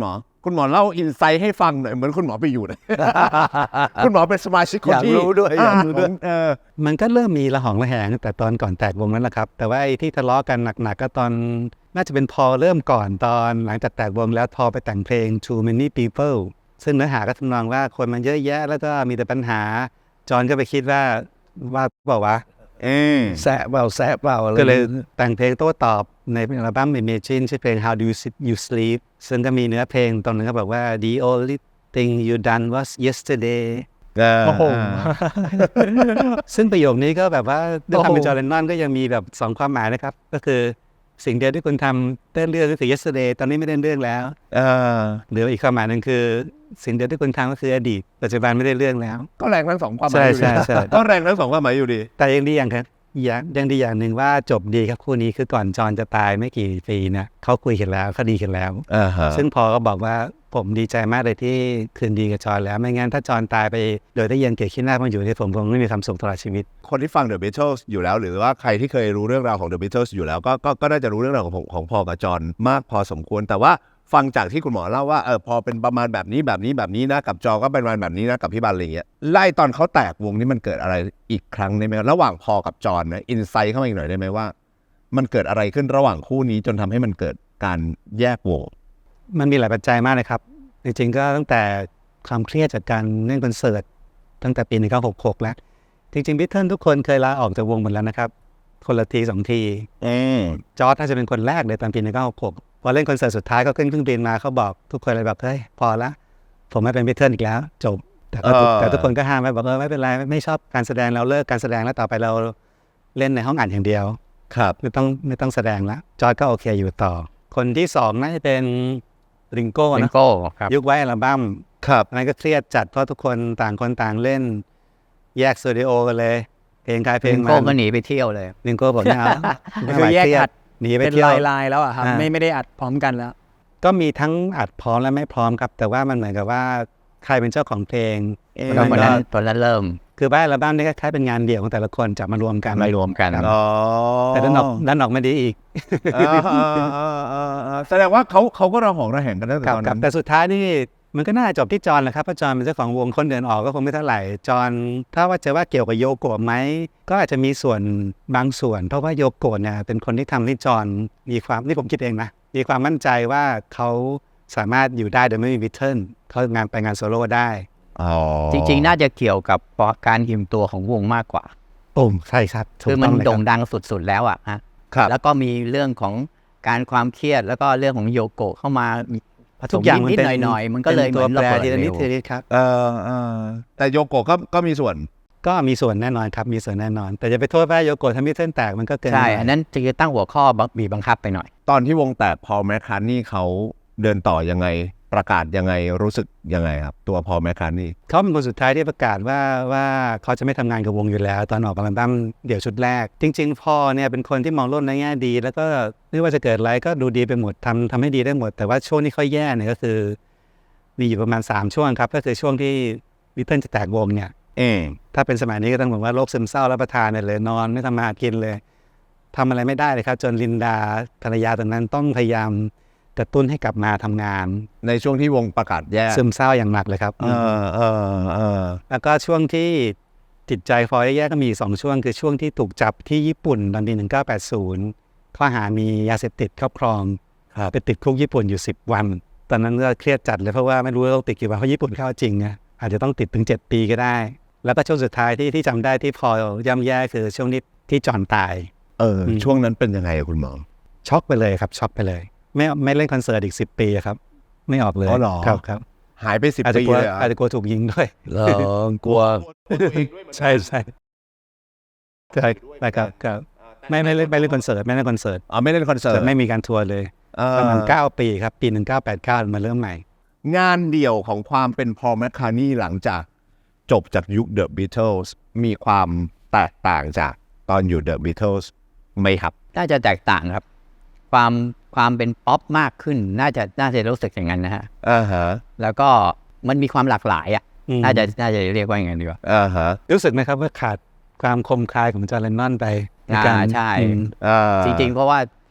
Speaker 1: คุณหมอเล่าอินไซต์ให้ฟังหน่อยเหมือนคุณหมอไปอยู่นะ คุณหมอเป็นสมาชิกคน
Speaker 2: อยาก
Speaker 1: ที่
Speaker 2: รู้ด้วยอยากรู้ด้วย
Speaker 1: เออ
Speaker 5: มันก็เริ่มมีระหองระแหงตั้งแต่ตอนก่อนแตกวงนั้นแหละครับ แต่ว่าไอ้ที่ทะเลาะกันหนักๆก็ตอนน่าจะเป็นพอเริ่มก่อนตอนหลังจากแตกวงแล้วพอไปแต่งเพลง Too Many People ซึ่งเนื้อหาก็ทำนองว่าคนมันเยอะแยะแล้วก็มีแต่ปัญหาจอห์นก็ไปคิดว่าว่าบอกว่า
Speaker 1: เออ
Speaker 2: แซะเปล่าแซะเปล่าอะไร
Speaker 5: ก็เลยแต่งเพลงโต้ตอบในอัลบั้ม Imagine ชื่อเพลง How Do You Sit- You Sleep ซึ่งก็มีเนื้อเพลงตรงนึงก็บอกว่า The only thing you done was yesterday
Speaker 4: โอ้โห
Speaker 5: ซึ่งประโยคนี้ก็แบบว่าด้วยความเป็น
Speaker 4: โอ้โห
Speaker 5: จอร์แดนนอนก็ยังมีแบบสองความหมายนะครับ ก็คือสิ่งเดียวที่คุณทำเต้นเรื่องก็คือ yesterday ตอนนี้ไม่เต้นเรื่องแล้ว
Speaker 1: เออ
Speaker 5: หรืออีกความหมายหนึ่งคือ สิ่งเดียวที่คุณทำก็คืออดีตปัจจุบันไม่ได้เรื่องแล้ว
Speaker 1: ก็แรงทั้งสองความหมายอยู่ดี
Speaker 5: ใช่ใช่ใช่
Speaker 1: ก็แรงทั้งสองความหมายอยู่ดี
Speaker 5: แต่ยังดีอย่างครับอย่างยังดีอย่างหนึ่งว่าจบดีครับคู่นี้คือก่อนจอห์นจะตายไม่กี่ปีนะเขาคุยกันแล้วเขาดีกันแล้ว
Speaker 1: อ่าฮะ
Speaker 5: ซึ่งพอก็บอกว่าผมดีใจมากเลยที่คืนดีกับจอห์นแล้วไม่งั้นถ้าจอห์นตายไปโดยได้ยังเกียรติขี้หน้ามันอยู่ที่ผมคงไม่มีความสุขตลอดชีวิต
Speaker 1: คนที่ฟัง The Beatles อยู่แล้ว หรือว่าใครที่เคยรู้เรื่องราวของ The Beatles อยู่แล้วก็ก็ก็น่าจะรู้เรื่องราวของของของพอลกับจอห์นมากพอสมควร แต่ว่าฟังจากที่คุณหมอเล่าว่าเออพอเป็นประมาณแบบนี้แบบนี้แบบนี้นะกับจอก็เป็นประมาณแบบนี้นะกับพี่บันอะไรอย่างเงี้ยไล่ตอนเขาแตกวงนี่มันเกิดอะไรอีกครั้งได้ไหมระหว่างพอลกับจอห์นนะอินไซต์เข้ามาอีกหน่อยได้ไหมว่า มันเกิดอะไรขึ้นระหว่างคู่นี้จนทำให้มันเกิดการแยกวง
Speaker 5: มันมีหลายปัจจัยมากเลยครับ จริงๆก็ตั้งแต่ความเครียดจากการเล่นคอนเสิร์ตตั้งแต่ปีหนึ่งเก้าหกหกแล้ว จริงๆบิทเทิลทุกคนเคยลาออกจากวงหมดแล้วนะครับ คนละทีสองที
Speaker 1: อืม
Speaker 5: จอร์จน่าจะเป็นคนแรกเลยตอนปีหนึ่งเก้าหกหกพอเล่นคอนเสิร์ตสุดท้ายก็ขึ้นเครื่องบินมาเขาบอกทุกคนเลยแบบเฮ้ยพอละผมไม่เป็นบิทเทิลอีกแล้ว จบ แต่ก็ทุกแต่ทุกคนก็ห้ามไว้บอกเออไม่เป็นไรไม่ชอบการแสดงเราเลิกการแสดงแล้วต่อไปเราเล่นในห้องอัดอย่างเดียว
Speaker 1: ครับ
Speaker 5: ไม่ต้องไม่ต้องแสดงแล้วจอร์จก็โอเคอยู่ต่อ คนที่สองน่าจะเป็นริงโก้
Speaker 3: ลิง
Speaker 5: นะ
Speaker 3: โก้ครับ
Speaker 5: ยุคไว้อัลบั้ม
Speaker 1: ครับ
Speaker 5: อันนั้นก็เครียดจัดเพราะทุกคนต่างคนต่างเล่น แยกสตูดิโอกันเลย เพลงใครเพล
Speaker 3: ลิ
Speaker 5: ง
Speaker 3: ง
Speaker 5: มั
Speaker 3: โก้
Speaker 5: น
Speaker 3: ก็หนีไปเที่ยวเลย
Speaker 5: ลิงโก้บอกไม่เอาไม่ไหว
Speaker 4: คือแยก
Speaker 5: เครีย
Speaker 4: อั
Speaker 5: ด
Speaker 4: ด
Speaker 5: หนีไป
Speaker 4: เป็น
Speaker 5: เที่ยว
Speaker 4: ลายลายๆแล้วอะครับ
Speaker 5: อ่า
Speaker 4: ไม่ไม่ได้อัดพร้อมกันแล้ว
Speaker 5: ก็มีทั้งอัดพร้อมและไม่พร้อมครับ แต่ว่ามันเหมือนกับว่าใครเป็นเจ้าของเพลง
Speaker 1: เอ๊ะ
Speaker 3: ก็
Speaker 5: มั
Speaker 3: วัน
Speaker 5: ก็
Speaker 3: นั้นตอนนั้นเริ่ม
Speaker 5: คือบ้านอัลบั้มนี่ก็คล้ายเป็นงานเดี่ยวของแต่ละคนจับมารวมกัน
Speaker 3: มารวมกัน
Speaker 5: ครับ
Speaker 1: อ๋อ
Speaker 5: แต่ด้านออกด้านออกไม่ดีอีก
Speaker 1: อ่าอ่าอ่าอ่าอ่าแสดงว่าเขาเขาก็ระหองระแหงกันตั้งแต่
Speaker 5: ครับ
Speaker 1: ตอน
Speaker 5: ครั
Speaker 1: นั้
Speaker 5: บ
Speaker 1: น
Speaker 5: แต่สุดท้ายนี่มันก็น่าจบที่จอห์นแหละครับเพราะจอห์นเป็นเจ้าของวงคนเดินออกก็คงไม่เท่าไหร่จอห์นถ้าว่าจะว่าเกี่ยวกับโยโกะไหมก็อาจจะมีส่วนบางส่วน เพราะว่าโยโกะเนี่ยเป็นคนที่ทำให้จอห์นมีความนี่ผมคิดเองนะมีความมั่นใจว่าเขาสามารถอยู่ได้โดยไม่มีบิทเทิลเขางานไปงานโซโล่ได้
Speaker 1: อ๋อ
Speaker 3: จริงๆ น่าจะเกี่ยวกับการหิมตัวของวงมากกว่า
Speaker 5: ปุ่มใช่ครับถูก
Speaker 3: คือมั
Speaker 5: ต้
Speaker 3: น
Speaker 5: องเลยค
Speaker 3: โด่ง
Speaker 5: รับ
Speaker 3: ดังสุดๆแล้วอ่ะฮะ
Speaker 1: ครับ
Speaker 3: แล้วก็มีเรื่องของการความเครียดแล้วก็เรื่องของโยโกะเข้ามาผส
Speaker 5: ทุ
Speaker 3: ม
Speaker 5: กอย่างมัน
Speaker 3: นิด
Speaker 5: เป็น
Speaker 3: ๆหน่อยๆมันก็เลย
Speaker 5: ป็
Speaker 3: เห
Speaker 5: ตั
Speaker 3: มื
Speaker 5: ว
Speaker 3: อน
Speaker 5: แป
Speaker 3: ระ
Speaker 5: ร
Speaker 3: เบิด
Speaker 5: ทีละนิด
Speaker 3: เร็ว
Speaker 5: ทีละนิดครับ
Speaker 1: เออเออแต่โยโกะก็ก็มีส่วน
Speaker 5: ก็มีส่วนแน่นอนครับมีส่วนแน่นอน แต่จะไปโทษว่าโยโกะทำให้เส้นแตกมันก็เกิน
Speaker 3: ใช่
Speaker 5: ไป
Speaker 3: อันนั้นจะตั้งหัวข้อบีบบังคับไปหน่อย
Speaker 1: ตอนที่วงแตกพอลแมคคาร์ทนี่เขาเดินต่อยังไงประกาศยังไงรู้สึกยังไงครับ ตัวพอลแมคคาร์ทนี่
Speaker 5: เขาเป็นคนสุดท้ายที่ประกาศว่าว่าเขาจะไม่ทำงานกับวงอยู่แล้ว ตอนออกอัลบั้มเดี่ยวชุดแรก จริงๆพอเนี่ยเป็นคนที่มองโลกในแง่ดี แล้วก็ไม่ว่าจะเกิดอะไรก็ดูดีไปหมดทำทำให้ดีได้หมด แต่ว่าช่วงที่เขาแย่เนี่ยก็คือ มีอยู่ประมาณสามช่วงครับก็คือช่วงที่บิทเทิลจะแตกวงเนี่ย
Speaker 1: เออ
Speaker 5: ถ้าเป็นสมัยนี้ก็ต้องบอกว่าโรคซึมเศร้ารับประทานเนี่ยเลยนอนไม่ทำมาหากินเลยทำอะไรไม่ได้เลยครับ จนลินดาภรรยาตอนนั้นต้องพยายามกระตุ้นให้กลับมาทำงาน
Speaker 1: ในช่วงที่วงประกาศแยก
Speaker 5: ซึมเศร้าอย่างหนักเลยครับ
Speaker 1: เออเออเออ
Speaker 5: แล้วก็ช่วงที่จิตใจฟอยแย่ๆก็มีสองช่วง คือช่วงที่ถูกจับที่ญี่ปุ่นตอนปีหนึ่งเก้าแปดศูนย์ข้อหามียาเสพติดครอบครองไปติดคุกญี่ปุ่นอยู่สิบวัน ตอนนั้นก็เครียดจัดเลยเพราะว่าไม่รู้ว่าต้องติดกี่วันเพราะญี่ปุ่นเข้าจริงนะอาจจะต้องติดถึงเจ็ดปีก็ได้ แล้วก็ช่วงสุดท้ายที่ที่จำได้ที่พอย่ำแย่คือช่วงที่ที่จอห์นตาย
Speaker 1: เออ
Speaker 5: อืม
Speaker 1: ช่วงนั้นเป็นยังไงอะคุณหมอ
Speaker 5: ช็อกไปเลยครับช็อกไปเลย ไม่ไม่เล่นคอนเสิร์ตอีกสิบปีอะครับ ไม่ออกเลย
Speaker 1: อ๋อเหรอ
Speaker 5: ครับครับ
Speaker 1: หายไปสิบ
Speaker 5: อาจจะ
Speaker 1: ปี
Speaker 5: กลัว
Speaker 1: เลยเหรอ
Speaker 5: อาจจะกลัวถูกยิงด้วย
Speaker 2: เออกลัว
Speaker 5: ใช่ใช่ใช่ครับครับไม่ไม่เล่นไม่เล่นคอนเสิร์ตไม่เล่นคอนเสิร์ต
Speaker 1: อ๋อไม่เล่นคอนเสิร์ต
Speaker 5: แต่ไม่มีการทัวร์เลย
Speaker 1: เอ
Speaker 5: ประมาณ
Speaker 1: อ
Speaker 5: เก้าปีครับ ปีหนึ่งเก้าแปดเก้ามาเริ่มใหม่
Speaker 1: งานเดี่ยวของความเป็นพอลแมคคาร์ทนี่หลังจากจบจากยุค The Beatles มีความแตกต่างจากตอนอยู่ The Beatles ไหมครับ
Speaker 3: น่าจะแตกต่างครับ ความความเป็นป๊อปมากขึ้น น่าจะน่าจะรู้สึกอย่างนั้นนะฮะ
Speaker 1: อ่าฮะ
Speaker 3: แล้วก็มันมีความหลากหลายอ่ะ
Speaker 5: อืม
Speaker 3: น่าจะน่าจะเรียกว่าอย่างนั้นดีกว่า
Speaker 1: อ่าฮะ
Speaker 5: รู้สึกไหมครับว่าขาดความคมคายของจอร์แดนนอนไปในการ
Speaker 3: อ่าใช่
Speaker 5: อืม
Speaker 1: อ่า
Speaker 3: จริงๆ เพราะว่า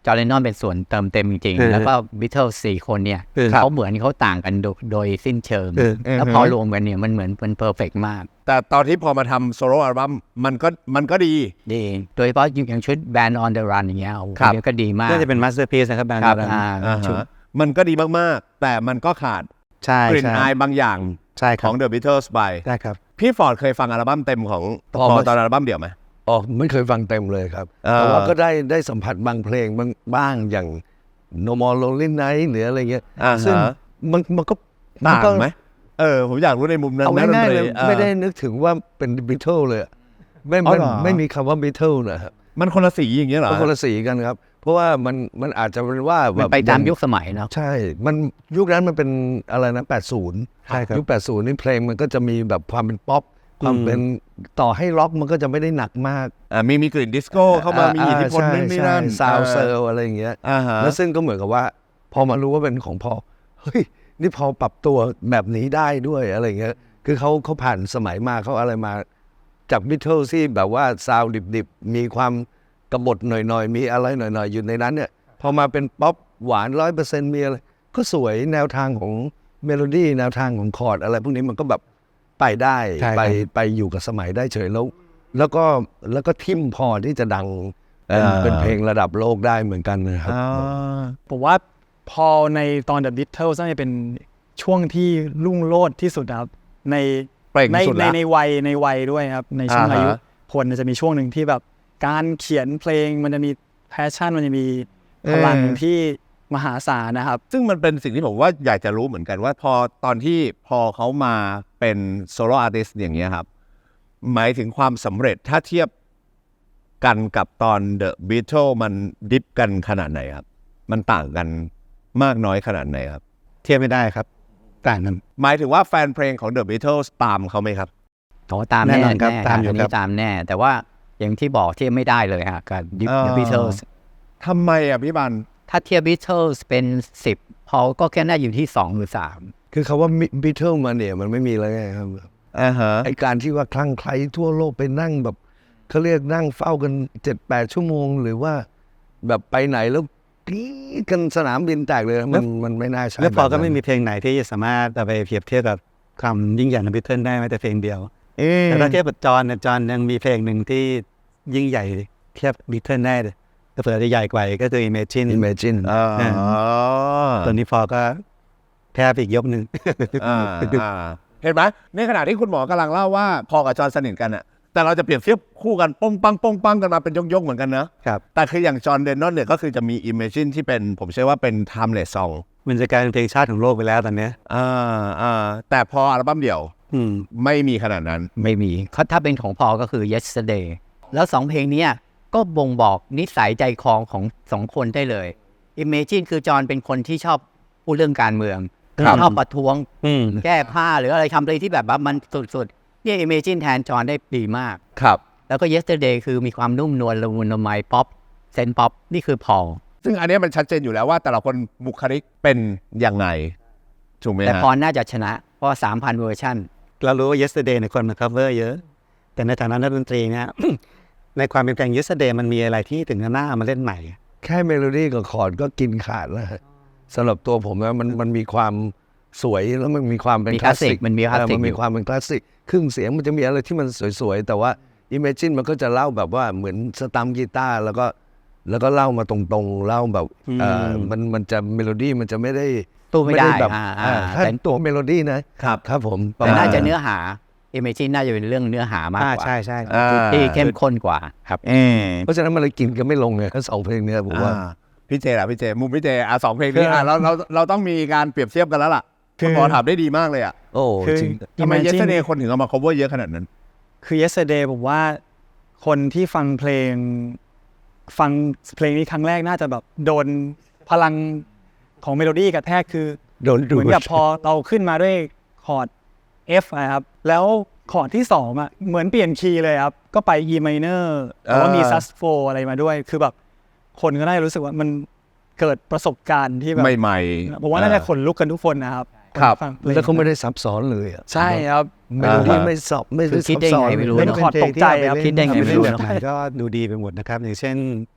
Speaker 3: จอร์แดนนอนเป็นส่วนเติมเต็มจริง
Speaker 5: เออ
Speaker 3: ๆ แล้วก็บิทเทิลสี่คนเนี่ย
Speaker 5: เออ
Speaker 3: เขาเหมือนเขาต่างกันโดยโดยสิ้นเชิง
Speaker 5: เออ
Speaker 3: แล้วพอรวมกันเนี่ยมันเหมือนเป็นเพอร์เฟกมาก
Speaker 1: แต่ตอนที่พอมาทำโซโล่อัลบั้มมันก็มันก็ดี
Speaker 3: ดี โดยเฉพาะอย่างชุด Band on the Run อย่างเงี้ยโอ้โห
Speaker 1: ครับ
Speaker 3: อันนี้ก็ดีมาก
Speaker 5: น่าจะเป็นมาสเตอร์พีซนะครับแบรนด์
Speaker 3: ครับ
Speaker 5: นั้น
Speaker 3: อ่า
Speaker 1: อ่า
Speaker 3: ชุด
Speaker 1: ฮะมันก็ดีมากๆ แต่มันก็ขาด
Speaker 5: ใช่
Speaker 1: กลิ่น
Speaker 5: ใช่
Speaker 1: อายบางอย่าง
Speaker 5: ใช่ค
Speaker 1: ข
Speaker 5: รั
Speaker 1: อบ ง The Beatles ไป
Speaker 5: ได้ครับ
Speaker 1: พี่ฟอร์ดเคยฟังอัลบั้มเต็มของ
Speaker 2: พอ
Speaker 1: พอ
Speaker 2: ไหม
Speaker 1: ตอนอัลบั้มเดี่ยวไหม
Speaker 2: อ๋อไม่เคยฟังเต็มเลยครับ
Speaker 1: เออ
Speaker 2: แต่ว่าก็ได้ได้สัมผัสบางเพลงบางบ้างอย่าง No More Lonely Night หรืออะไรเงี้ย
Speaker 1: อ่า
Speaker 2: ซึ่ง
Speaker 1: ฮะ
Speaker 2: มันมันก็
Speaker 1: ต่าง
Speaker 2: ก็
Speaker 1: ไหมเออผมอยากรู้ในมุมนั้น
Speaker 2: เอา
Speaker 1: นะ
Speaker 2: ง่ายๆเลย
Speaker 1: ดนตรีออ
Speaker 2: ไม่ได้นึกถึงว่าเป็นบิทเทิลเลยอะไม่
Speaker 1: อ๋อ
Speaker 2: ไม่
Speaker 1: เหรอ
Speaker 2: ไม่มีคำว่าบิทเทิลนะครับ
Speaker 1: มันคนละสีอย่างเงี้ยเหรอ
Speaker 2: มันคนละสีกันครับ เพราะว่ามันมันอาจจะเป็นว่า
Speaker 3: มั
Speaker 2: แบ
Speaker 3: น
Speaker 2: บ
Speaker 3: ไปตามยุคสมัยเนาะ
Speaker 2: ใช่ มันยุคนั้นมันเป็นอะไรนะแปดสิบ
Speaker 5: ใช่ครับ
Speaker 2: ยุคแปดสิบนี่เพลงมันก็จะมีแบบความเป็นป๊อปความ
Speaker 5: อืม
Speaker 2: เป็นต่อให้ล็อกมันก็จะไม่ได้หนักมาก
Speaker 1: อ่ามีมีกลิ่นดิสโก้เข้ามามีอิทธิพลนั่นนี่นั่น
Speaker 2: ซาวเซอร์อะไรอย่างเงี้ย
Speaker 1: อ่าฮะ
Speaker 2: แล้วซึ่งก็เหมือนกับว่า พอมารู้ว่าเป็นของพอเฮ้ยนี่พอปรับตัวแบบนี้ได้ด้วยอะไรเงี้ยคือเขาเขาผ่านสมัยมาเขาอะไรมาจากบิทเทิลที่แบบว่าซาวดิบๆ มีความกบฏหน่อยๆ มีอะไรหน่อยๆ อยู่ในนั้นเนี่ยพอมาเป็นป๊อปหวานร้อยเปอร์เซ็นต์มีอะไรก็สวยแนวทางของเมโลดี้แนวทางของคอร์ดอะไรพวกนี้มันก็แบบไปได้
Speaker 5: ใช่ครับ
Speaker 2: ไปไปอยู่กับสมัยได้เฉยแล้ว แล้วก็แล้วก็ทิมพอที่จะดังเป็น
Speaker 1: อ่า
Speaker 2: เป็นเพลงระดับโลกได้เหมือนกันนะครับ
Speaker 1: อ่า
Speaker 4: ผมว่าพอในตอน The Beatles น่าจะเป็นช่วงที่รุ่งโรจน์ที่สุดครับใน
Speaker 1: เปล่ง
Speaker 4: ใน
Speaker 1: สุด
Speaker 4: ใน
Speaker 1: ละ
Speaker 4: ในวัยในวัยด้วยครับ ในช่วง
Speaker 1: อ่าฮะ
Speaker 4: อายุพลจะมีช่วงหนึ่งที่แบบการเขียนเพลงมันจะมีแพชชั่นมันจะมีพลังที่มหาศาลนะครับ
Speaker 1: ซึ่งมันเป็นสิ่งที่ผมว่าอยากจะรู้เหมือนกันว่าพอตอนที่พอเขามาเป็นโซโล่อาร์ติสต์อย่างเงี้ยครับ หมายถึงความสำเร็จถ้าเทียบกันกับตอน The Beatles มันดิฟกันขนาดไหนครับ มันต่างกันมากน้อยขนาดไหนครับ
Speaker 5: เทียบไม่ได้ครับ ต่างกัน
Speaker 1: หมายถึงว่าแฟนเพลงของ The Beatles ตามเขาไหมครับ
Speaker 3: โอ้ตาม
Speaker 5: แน่
Speaker 3: แน่
Speaker 5: นอนครับ
Speaker 3: แน่
Speaker 5: ตามอยู่
Speaker 3: น
Speaker 5: ครั
Speaker 3: นี้
Speaker 5: บ
Speaker 3: ตามแน่ แต่ว่าอย่างที่บอกเทียบไม่ได้เลยฮะกับ
Speaker 1: เออ
Speaker 3: The Beatles
Speaker 1: ทำไมอ่ะพี่บัน
Speaker 3: ถ้าเทียบ Beatles เป็นสิบพอก็แค่น่าอยู่ที่สองหรือสาม
Speaker 2: คือคาว่าบิทเทิลมาเนี่ยมันไม่มีแล้วไงครับ
Speaker 1: อ่าฮะ
Speaker 2: ไอการที่ว่าคลั่งไคล้ทั่วโลกไปนั่งแบบเขาเรียกนั่งเฝ้ากันเจ็ดแปดชั่วโมง หรือว่าแบบไปไหนแล้วกรี๊ดกันสนามบินแตกเลยมันมันไม่น่าใช่
Speaker 5: แล้วพอก็
Speaker 2: แบบนั้น
Speaker 5: ไม่มีเพลงไหนที่จะสามารถเอาไปเปรียบเทียบกับความยิ่งใหญ่ของบิทเทิลได้แม้แต่เพลงเดียว
Speaker 1: เอ๊ะ
Speaker 5: แต่ถ้าเทียบกับจอห์นเนี่ยจอห์นยังมีเพลงหนึ่งที่ยิ่งใหญ่เทียบบิทเทิลได้เลยก็เผื่อจะใหญ่กว่าอีกก็คือ Imagine
Speaker 2: Imagine
Speaker 1: อ๋อ
Speaker 5: ตัวนี้พอก็แทบอีกยกหนึ่ง
Speaker 1: อ่าอ่าเห็นไหมในขณะที่คุณหมอกำลังเล่าว่าพอกับจอห์นสนิทกันอะแต่เราจะเปรียบเทียบคู่กันป้องปังป้องปังกันมาเป็นยกๆเหมือนกันนะครับ แต่คืออย่างจอห์นเดนนอนเนี่ยก็คือจะมี Imagine ที่เป็นผมเชื่อว่าเป็น timeless song
Speaker 5: มันจะกลายเป็นเพลงชาติของโลกไปแล้วตอนเนี้ย
Speaker 1: อ่าอ่าแต่พออัลบั้มเดี่ยว
Speaker 5: อืม
Speaker 1: ไม่มีขนาดนั้น
Speaker 3: ไม่มีเขาถ้าเป็นของพอก็คือ Yesterday แล้วสองเพลงเนี้ยก็บ่งบอกนิสัยใจคอของสองคนได้เลย Imagine คือจอห์นเป็นคนที่ชอบพูดเรื่องการเมือง
Speaker 1: ครับ
Speaker 3: ชอบประท้วง
Speaker 5: อืม
Speaker 3: แก้ผ้าหรืออะไรทำอะไรที่แบบว่ามันสุดๆเนี่ย Imagine แทนจอห์นได้ดีมาก
Speaker 1: ครับ
Speaker 3: แล้วก็ Yesterday คือมีความนุ่มนวลละมุนละไมป๊อปเซนป๊อปนี่คือพอ
Speaker 1: ซึ่งอันเนี้ยมันชัดเจนอยู่แล้วว่าแต่ละคนบุคลิกเป็นยังไงถูกไหม
Speaker 3: แต่
Speaker 1: ฮะ
Speaker 3: พอน่าจะชนะ เพราะสามพันเวอร์ชัน
Speaker 5: เรารู้ว่า yesterday ในยคนมา cover เยอะ แต่ในฐานะนักดนตรีเนี่ย ในความเป็นเพลง yesterday มันมีอะไรที่ถึงจะน่าเอามาเล่นใหม่
Speaker 2: แค่เมโลดี้กับคอร์ดก็กินขาดแล้วฮะสำหรับตัวผมนะมันมันมีความสวยแล้วมันมีความเป็น
Speaker 3: มี
Speaker 2: คลาสสิก
Speaker 3: มันมีคลาสสิก
Speaker 2: เออมันมีความเป็นคลาสสิกครึ่งเสียงมันจะมีอะไรที่มันสวยๆ แต่ว่า Imagine มันก็จะเล่าแบบว่าเหมือนสตัมกีตาร์แล้วก็แล้วก็เล่ามาตรงๆเล่าแบบเออมันมันจะเมโลดี้มันจะไม่ได้
Speaker 3: ตู้ไม่ได้
Speaker 2: แบบ
Speaker 3: อ่า
Speaker 2: อ่า
Speaker 3: อ่า
Speaker 2: ถ้า
Speaker 3: แต่
Speaker 2: ตัวเมโลดี้นะครับครับผม
Speaker 3: แต่น่าจะเนื้อหา Imagine น่าจะเป็นเรื่องเนื้อหามาก
Speaker 5: อ่าก
Speaker 3: ว่า
Speaker 5: ใช่ใช่
Speaker 1: อ่า
Speaker 3: ที่เข้มข้นกว่าครับ
Speaker 1: เออ
Speaker 2: เพราะฉะนั้นมันเลยกินกันไม่ลงไงทั้งสองเพลงเนี้ยผมว่า
Speaker 1: อ่าพี่เจล่ะพี่เจมุมพี่เจอ่ะสองเพลงนี้อ่ะเราเราเราต้องมีการเปรียบเทียบกันแล้วล่ะ
Speaker 4: คือ
Speaker 1: คุณหมอถามได้ดีมากเลยอ่ะ
Speaker 2: โอ้
Speaker 4: คือ
Speaker 2: จริง
Speaker 1: ทำไม
Speaker 4: Imagine
Speaker 1: yesterday คนถึงเอามา cover เยอะขนาดนั้น
Speaker 4: คือ yesterday ผมว่าคนที่ฟังเพลงฟังเพลงนี้ครั้งแรกน่าจะแบบโดนพลังของเมโลดี้กระแทกคือ
Speaker 2: โดนดู
Speaker 4: เหมือนกับพอเราขึ้นมาด้วยคอร์ด F อะครับแล้วคอร์ดที่สองอ่ะเหมือนเปลี่ยนคีย์เลยครับ ก็ไป E minor แต่ว่ามี
Speaker 1: อ่า
Speaker 4: sus four อะไรมาด้วย คือแบบคนก็ได้รู้สึกว่ามันเกิดประสบการณ์ที่แบบ
Speaker 1: ใหม่
Speaker 4: ผมว่าน่าจะขนลุกกันทุกคนนะครับ
Speaker 1: ครับ
Speaker 4: นฟังเพลง
Speaker 2: แล้วเขาไม่ได้ซับซ้อนเลยอะ
Speaker 4: ใช่ครับ
Speaker 2: เมโลดี้
Speaker 1: อ่าฮะ
Speaker 2: ไม่ซับไม่
Speaker 3: คือคิดได้ไงไม่รู้
Speaker 4: เล่น
Speaker 3: เนอะ
Speaker 4: คอร์ดตกใจครับ
Speaker 3: คิดได้ไงไม่รู้
Speaker 5: เล่น
Speaker 3: เนอะ
Speaker 5: แบบไหนก็ดูดีไปหมดนะครับ อย่างเช่น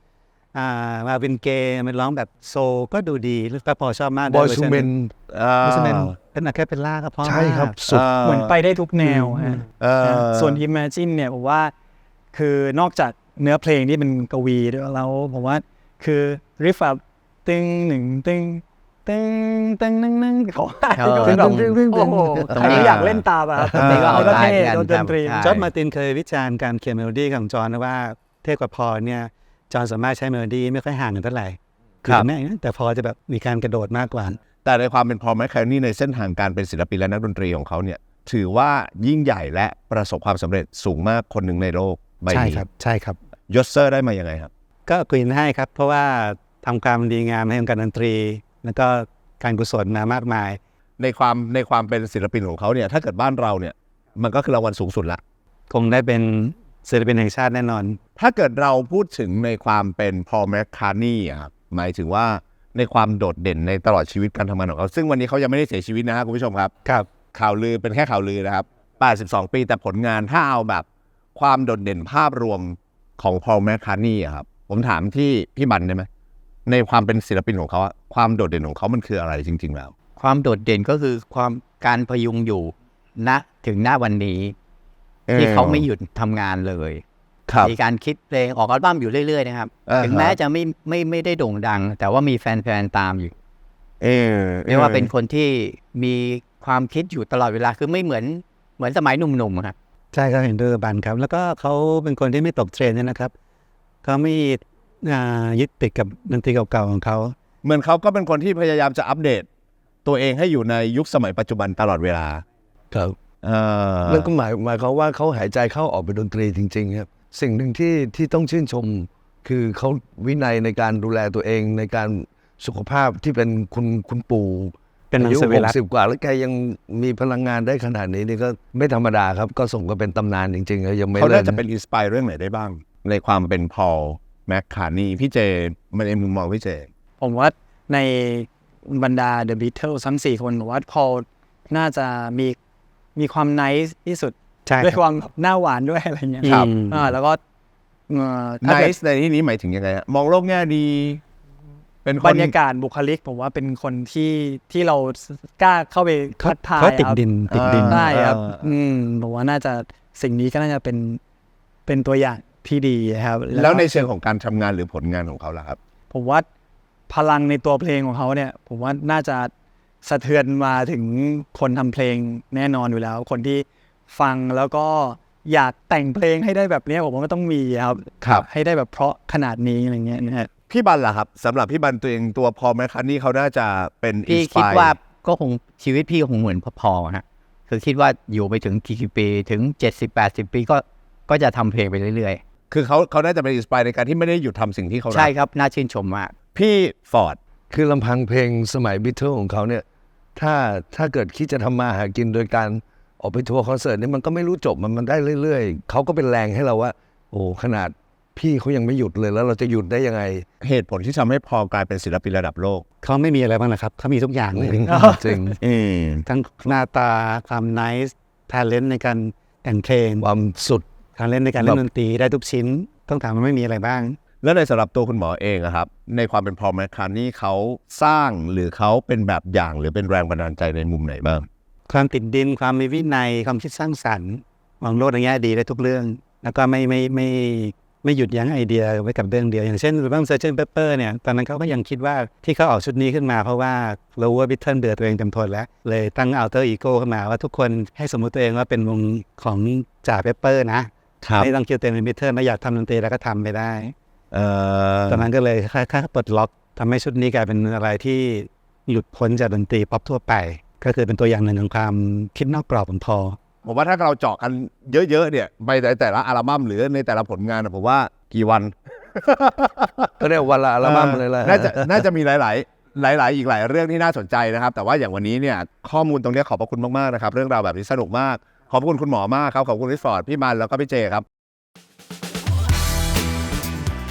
Speaker 5: อ่ามาวินเกย์มันร้องแบบโซลก็ดูดีแล้วก็พอชอบมาก
Speaker 2: บอยซูเมน
Speaker 5: บอยซูเมนเป็นอะแคปเปลล่าก็เพราะ
Speaker 2: ใช่ครับ
Speaker 5: มาก
Speaker 2: สุด
Speaker 4: เหมือนไปได้ทุกแนวฮะ
Speaker 1: เออ
Speaker 4: ส่วน Imagine เนี่ยผมว่าคือนอกจากเนื้อเพลงที่เป็นกวีด้วยแล้วผมว่าคือริฟแบบตึงหนึ่งตึงตึงตึงนึงนึงเขาว่า
Speaker 3: เออ
Speaker 4: คือแบบ
Speaker 2: ตึงตึงตึง
Speaker 4: โอ้โห
Speaker 3: ตรง
Speaker 4: ใคร
Speaker 3: นี้
Speaker 4: อยากเล่นตามอะครับ
Speaker 3: ตรงนี้ก็เอา
Speaker 4: ก็
Speaker 3: ได้
Speaker 4: เท่
Speaker 3: เหมือนกัน
Speaker 4: ดนตรี
Speaker 3: ครับ
Speaker 5: จอร์จมาร์ตินเคยวิจารณ์การเขียนเมโลดี้ของจอห์นนะว่าเทพกับพอลเนี่ยจอห์นสามารถใช้เมโลดี้ไม่ค่อยห่างกันเท่าไหร่
Speaker 1: ครับ
Speaker 5: อแม่นะแต่พอจะแบบมีการกระโดดมากกว่า
Speaker 1: แต่ในความเป็นพอลแมคคาร์ทนีย์ในเส้นทางการเป็นศิลปินและนักดนตรีของเขาเนี่ยถือว่ายิ่งใหญ่และประสบความสำเร็จสูงมากคนหนึ่งในโลกใบ
Speaker 5: ใช่
Speaker 1: นี้
Speaker 5: ครับใช่ครับ
Speaker 1: ยศเซอร์ได้มายังไงครับ
Speaker 5: ก็กรีนให้ครับ เพราะว่าทำความดีงามให้วงการดนตรี แล้วก็การกุศลมามากมาย
Speaker 1: ในความในความเป็นศิลปินของเขาเนี่ยถ้าเกิดบ้านเราเนี่ยมันก็คือรางวัลสูงสุดละ
Speaker 5: คงได้เป็นศิลปินแห่งชาติแน่นอน
Speaker 1: ถ้าเกิดเราพูดถึงในความเป็นพอลแมคคาร์ทนีย์อะครับหมายถึงว่าในความโดดเด่นในตลอดชีวิตการทำงานของเขาซึ่งวันนี้เขายังไม่ได้เสียชีวิตนะครับคุณผู้ชมครับ
Speaker 5: ครับ
Speaker 1: ข่าวลือเป็นแค่ข่าวลือนะครับแปดสิบสองปีแต่ผลงานถ้าเอาแบบความโดดเด่นภาพรวมของพอลแมคคาร์ทนีย์อะครับผมถามที่พี่บันได้ไหมในความเป็นศิลปินของเขาอะความโดดเด่นของเขามันคืออะไรจริงๆแล้ว
Speaker 3: ความโดดเด่นก็คือความการพยุงอยู่ณถึงหน้าวันนี้ ที่เขาไม่หยุดทำงานเลย
Speaker 1: ครับ
Speaker 3: มีการคิดเพลงออกอัลบั้มอยู่เรื่อยๆนะครับ
Speaker 1: อ่าฮะ
Speaker 3: ถึงแม้จะไม่ไม่ไม่ได้โด่งดัง แต่ว่ามีแฟนๆตามอยู่
Speaker 1: เออ
Speaker 3: เรียกว่าเป็นคนที่มีความคิดอยู่ตลอดเวลาคือไม่เหมือนเหมือนสมัยหนุ่มๆครับ
Speaker 5: ใช่ครับเห็นด้วยกับบันครับ แล้วก็เขาเป็นคนที่ไม่ตกเทรนด์ด้วยนะครับเขาไม่อ่ายึดติดกับดนตรีเก่าๆของเขา
Speaker 1: เหมือนเขาก็เป็นคนที่พยายามจะอัปเดต ตัวเองให้อยู่ในยุคสมัยปัจจุบันตลอดเวลา
Speaker 2: ครับ
Speaker 1: เออ
Speaker 2: แล้วก็หมายหมายความว่าเขาหายใจเข้าออกเป็นดนตรีจริงๆครับสิ่งหนึ่งที่ที่ต้องชื่นชม คือเขาวินัยในการดูแลตัวเองในการสุขภาพที่เป็นคุณคุณปู่
Speaker 5: เป็นมัง
Speaker 2: อายุ
Speaker 5: สวิ
Speaker 2: ห
Speaker 5: รั
Speaker 2: ก
Speaker 5: ติ
Speaker 2: สิบกว่าแล้วแกยังมีพลังงานได้ขนาดนี้นี่ก็ไม่ธรรมดาครับ ก็ส่งก็เป็นตำนานจริงๆยังไม่
Speaker 1: เขา
Speaker 2: เลิ
Speaker 1: น่าก จะเป็นอินสปายเรื่องไหนได้บ้าง ในความเป็นพอลแมคคาร์ทนีย์พี่เจมันในมุมมองพี่เจ
Speaker 4: ผมว่าในบรรดา The Beatles ทั้งสี่คนผมว่าพอลน่าจะมีมีความ nice ที่สุด
Speaker 5: ใช่
Speaker 4: ด้วย
Speaker 5: ค
Speaker 4: ครับ วามแบบหน้าหวานด้วยอะไรเงี้ย
Speaker 1: ครับ
Speaker 4: อ่าแล้วก็เอ่อ
Speaker 1: ไน
Speaker 4: ถ้าเกิด
Speaker 1: ซ์ในที่นี้หมายถึงยังไงฮะมองโลกแง่ดี เป็นคน
Speaker 4: บรรยากาศบุคลิกผมว่าเป็นคนที่ที่เรากล้าเข้าไปทักทาย
Speaker 5: เขาติด
Speaker 4: ครับ
Speaker 5: ดินติดดิน
Speaker 4: ได้ครับ
Speaker 1: อ่า
Speaker 4: อืมผมว่าน่าจะสิ่งนี้ก็น่าจะเป็นเป็นตัวอย่างที่ดีครับ
Speaker 1: แล้วในเชิงของการทำงานหรือผลงานของเขาล่ะครับ
Speaker 4: ผมว่าพลังในตัวเพลงของเขาเนี่ย ผมว่าน่าจะสะเทือนมาถึงคนทำเพลงแน่นอนอยู่แล้ว คนที่ฟังแล้วก็อยากแต่งเพลงให้ได้แบบเนี้ยผมว่ามันต้องมีครับ
Speaker 1: ครับ
Speaker 4: ให้ได้แบบเพราะขนาดนี้อะไรเงี้ยนะฮะ
Speaker 1: พี่บันล่ะครับสำหรับพี่บันตัวเองตัวพอลแมคคาร์ทนีย์เขาน่าจะเป็น
Speaker 3: พี่คิด
Speaker 1: inspire
Speaker 3: ว่าก็คงชีวิตพี่ก็คงเหมือนพอๆฮะคือคิดว่าอยู่ไปถึงกี่ปีถึงเจ็ดสิบแปดสิบปีก็ก็จะทำเพลงไปเรื่อย
Speaker 1: คือเขาเขาน่าจะเป็นอินสปายในการที่ไม่ได้หยุดทำสิ่งที่เขา
Speaker 3: ๆ
Speaker 1: รั
Speaker 3: ใช่
Speaker 1: ก
Speaker 3: ครับน่าชื่นชมมาก
Speaker 1: พี่ฟอร์ด
Speaker 2: คือลำพังเพลงสมัยบิทเทิลของเขาเนี่ยถ้าถ้าเกิดคิดจะทำมาหากินโดยการออกไปทัวร์คอนเสิร์ตนี่มันก็ไม่รู้จบมันมันได้เรื่อยๆเขาก็เป็นแรงให้เราว่า โอ้ขนาดพี่เขายังไม่หยุดเลยแล้วเราจะหยุดได้ยังไง
Speaker 1: เหตุผลที่ทำให้พอลกลายเป็นศิลปินระดับโลก
Speaker 5: เขาไม่มีอะไรบ้างนะครับเขามีทุกอย่างเลย
Speaker 2: จริง
Speaker 1: อืม
Speaker 5: ทั้งหน้าตาความไนซ์ทาเลนต์ในการแต่งเพลง
Speaker 2: ความสุด
Speaker 5: ทาเลนต์ในการเล่นดนตรีได้ทุกชิ้น ต้องถามว่าไม่มีอะไรบ้าง
Speaker 1: แล้วในสำหรับตัวคุณหมอเองอะครับ ในความเป็นพอลแมคคาร์ทนีย์เขาสร้างหรือเขาเป็นแบบอย่างหรือเป็นแรงบันดาลใจในมุมไหนบ้าง
Speaker 5: ความติดดินความมีวินัยความคิดสร้างสรรค์มองโลกในแง่ดีได้ทุกเรื่อง แล้วก็ไม่ไม่ไม่ไม่หยุดยั้งไอเดียไว้กับเรื่องเดียว อย่างเช่นอัลบั้ม Sgt Pepper เนี่ยตอนนั้นเขาก็ยังคิดว่าที่เขาออกชุดนี้ขึ้นมาเพราะว่ารู้ว่าบิทเทิลเบื่อตัวเองเต็มทนแล้ว เลยตั้ง alter ego ขึ้นมาว่าทุกคนให้สมมุติตัวเองว่าเป็นวงของจ่าเปเปอร์นะไม่ต้องคิดตัวเองเป็นบิทเทิลไม่อยากทำดนตรีแล้วก็ทำไปได้
Speaker 1: เอ่อ
Speaker 5: ตอนนั้นก็เลยค่อยๆปลดล็อกทำให้ชุดนี้กลายเป็นอะไรที่หลุดพ้นจากดนตรีป๊อปทั่วไป ก็คือเป็นตัวอย่างหนึ่งของความคิดนอกกรอบของพอ
Speaker 1: ผมว่าถ้าเราเจาะกันเยอะๆเนี่ยไปในแต่ละอัลบั้มหรือในแต่ละผลงานอะผมว่ากี่วัน
Speaker 2: ก็เรียกวันละอัลบั้มเลยแหละ
Speaker 1: น่าจะน่าจะมีหลาย ๆ หลาย ๆ อีกหลายเรื่องที่น่าสนใจนะครับ แต่ว่าอย่างวันนี้เนี่ยข้อมูลตรงนี้ขอบพระคุณมาก ๆ นะครับ เรื่องราวแบบนี้สนุกมาก ขอบคุณคุณหมอมากครับ ขอบคุณพี่ฟอร์ดพี่มันแล้วก็พี่เจครับ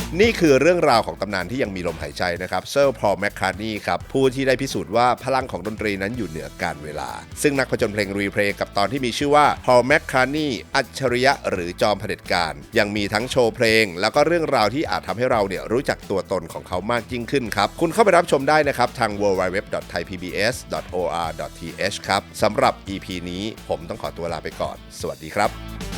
Speaker 1: นี่คือเรื่องราวของตำนานที่ยังมีลมหายใจนะครับเซอร์พอลแมคคาร์ทนีย์ครับผู้ที่ได้พิสูจน์ว่าพลังของดนตรีนั้นอยู่เหนือการเวลาซึ่งนักผจญเพลงรีเพลย์กับตอนที่มีชื่อว่าพอลแมคคาร์ทนีย์อัจฉริยะหรือจอมเผด็จการยังมีทั้งโชว์เพลงแล้วก็เรื่องราวที่อาจทำให้เราเนี่ยรู้จักตัวตนของเขามากยิ่งขึ้นครับคุณเข้าไปรับชมได้นะครับทาง ดับเบิลยู ดับเบิลยู ดับเบิลยู ดอท ไทย พี บี เอส ดอท โอ อาร์ ดอท ที เอช ครับสำหรับ อี พี นี้ผมต้องขอตัวลาไปก่อนสวัสดีครับ